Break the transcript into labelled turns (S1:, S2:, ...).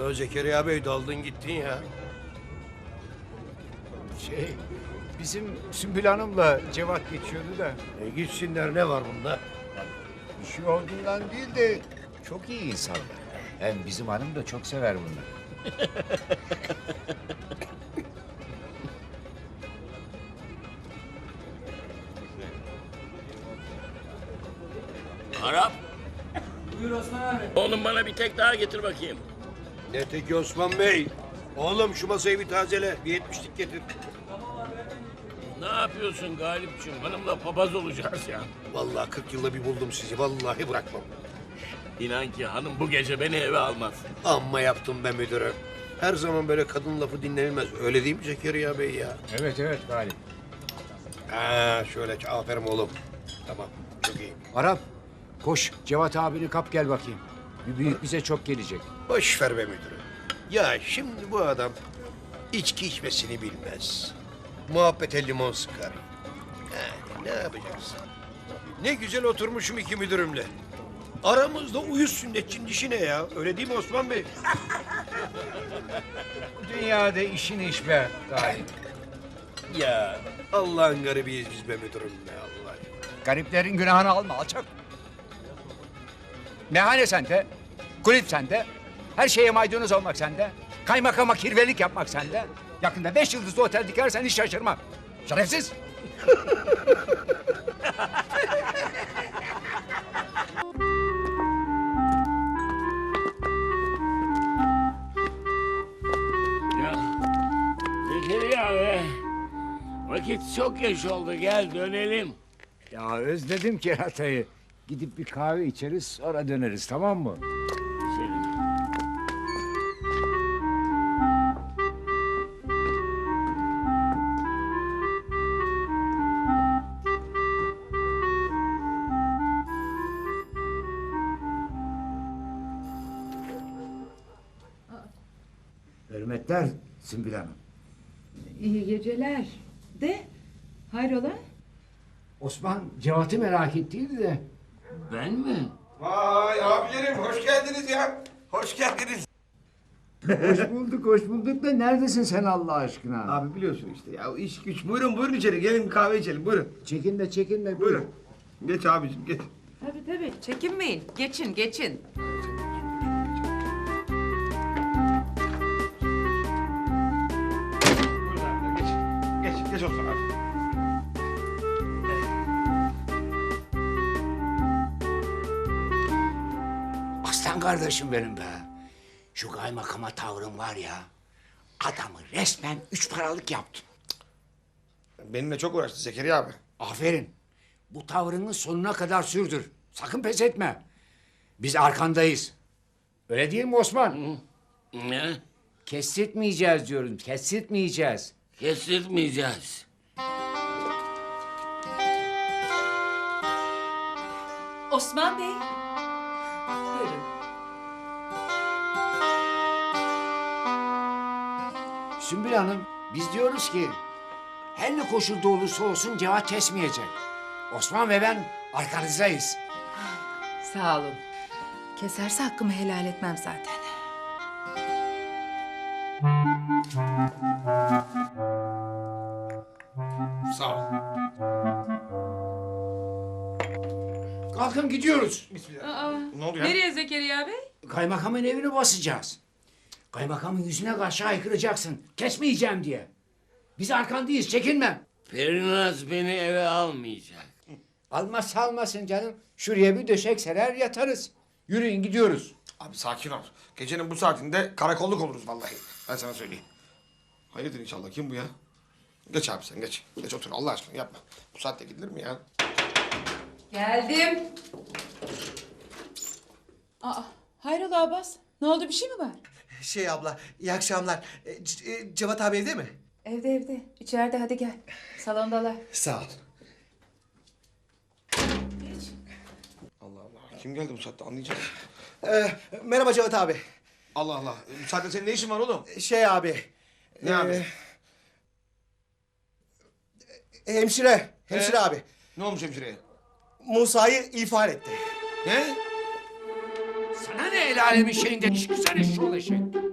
S1: Ya Zekeriya Bey daldın gittin ya.
S2: Bizim Sümbül Hanım'la Cevat geçiyordu da
S1: Gitsinler, ne var bunda?
S2: bir şey olduğundan değil de çok iyi insanlar. Hem bizim hanım da çok sever bunları.
S3: Arap. Buyur Osman abi. Oğlum bana bir tek daha getir bakayım.
S1: Ne teki Osman Bey? Oğlum şu masayı bir tazele, bir 70'lik getir.
S3: Ne yapıyorsun Galipciğim? Hanımla papaz olacağız ya.
S1: Vallahi 40 yılda bir buldum sizi, vallahi bırakmam.
S3: İnan ki hanım bu gece beni eve almaz.
S1: Amma yaptım be müdürüm. Her zaman böyle kadın lafı dinlenilmez. Öyle değil mi Zekeriya Bey ya?
S2: Evet Galip.
S1: Ha, şöyle aferin oğlum. Tamam, çok iyi.
S2: Arap koş Cevat abini kap gel bakayım. Bir büyük bize çok gelecek.
S1: Boş ver be müdürüm. Ya şimdi bu adam içki içmesini bilmez. Muhabbete limon sıkar. Yani ne yapacaksın? Ne güzel oturmuşum iki müdürümle. Aramızda uyuz sünnetçinin işi ne ya? Öyle değil mi Osman Bey?
S2: Dünyada işin iş be Galip.
S1: Ya Allah'ın garibiyiz biz be müdürüm be Allah.
S2: Gariplerin günahını alma alçak. Meyhane sende, kulüp sende, her şeye maydanoz olmak sende, kaymakama kirvelik yapmak sende. Yakında 5 yıldızlı otel dikersen hiç şaşırmam. Şerefsiz.
S3: Ya Zekeriya be. Vakit çok geç oldu, gel dönelim.
S2: Ya özledim keratayı. Gidip bir kahve içeriz sonra döneriz tamam mı?
S3: Senin.
S2: Hürmetler Sümbül Hanım.
S4: İyi geceler. De, hayrola?
S2: Osman Cevat'ı merak ettiydi de.
S3: Ben mi?
S1: Vay abilerim hoş geldiniz ya. Hoş geldiniz.
S2: Hoş bulduk da neredesin sen Allah aşkına?
S5: Abi biliyorsun işte ya iş güç. Buyurun içeri gelin bir kahve içelim buyurun.
S2: Çekinme
S5: Buyurun. Geç abicim geç.
S4: Tabii. Çekinmeyin. Geçin.
S5: Buyurun abi geç. Geç olsun abi.
S2: Aslan kardeşim benim be. Şu kaymakama tavrın var ya. Adamı resmen 3 paralık yaptın.
S5: Benimle çok uğraştı Zekeriya abi.
S2: Aferin. Bu tavrını sonuna kadar sürdür. Sakın pes etme. Biz arkandayız. Öyle değil mi Osman?
S3: Ne?
S2: Kestirtmeyeceğiz diyorum. Kestirtmeyeceğiz.
S3: Kestirmeyeceğiz.
S4: Osman Bey. Buyurun.
S2: Sümbül Hanım, biz diyoruz ki her ne koşulda olursa olsun Cevat kesmeyecek. Osman ve ben arkanızdayız.
S4: Sağ olun. Keserse hakkımı helal etmem zaten.
S5: Sağ ol.
S2: Kalkın gidiyoruz.
S5: Ne oldu ya?
S4: Nereye Zekeriya Bey?
S2: Kaymakamın evini basacağız. Kaymakamın yüzüne karşı haykıracaksın. Kesmeyeceğim diye. Biz arkandayız, çekinme.
S3: Perinaz beni eve almayacak.
S2: Almazsa almasın canım. Şuraya bir döşek serer yatarız. Yürüyün gidiyoruz.
S5: Abi sakin ol. Gecenin bu saatinde karakolluk oluruz vallahi. Ben sana söyleyeyim. Hayırdır inşallah kim bu ya? Geç abi sen geç. Geç otur Allah aşkına yapma. Bu saatte gidilir mi ya?
S4: Geldim. Hayrola Abbas? Ne oldu, bir şey mi var?
S6: Abla, iyi akşamlar. Cevat abi evde mi?
S4: Evde. İçeride, hadi gel. Salondalar.
S6: Sağ ol.
S5: Allah Allah. Kim geldi bu saatte anlayacağız.
S6: Merhaba Cevat abi.
S5: Allah Allah. Bu saatte senin ne işin var oğlum?
S6: Abi.
S5: Ne abi?
S6: Hemşire abi.
S5: Ne olmuş hemşireye?
S6: Musa'yı ihbar etti.
S5: Ne?
S2: Sana ne el alemin şeyinden çıksana şu eşek.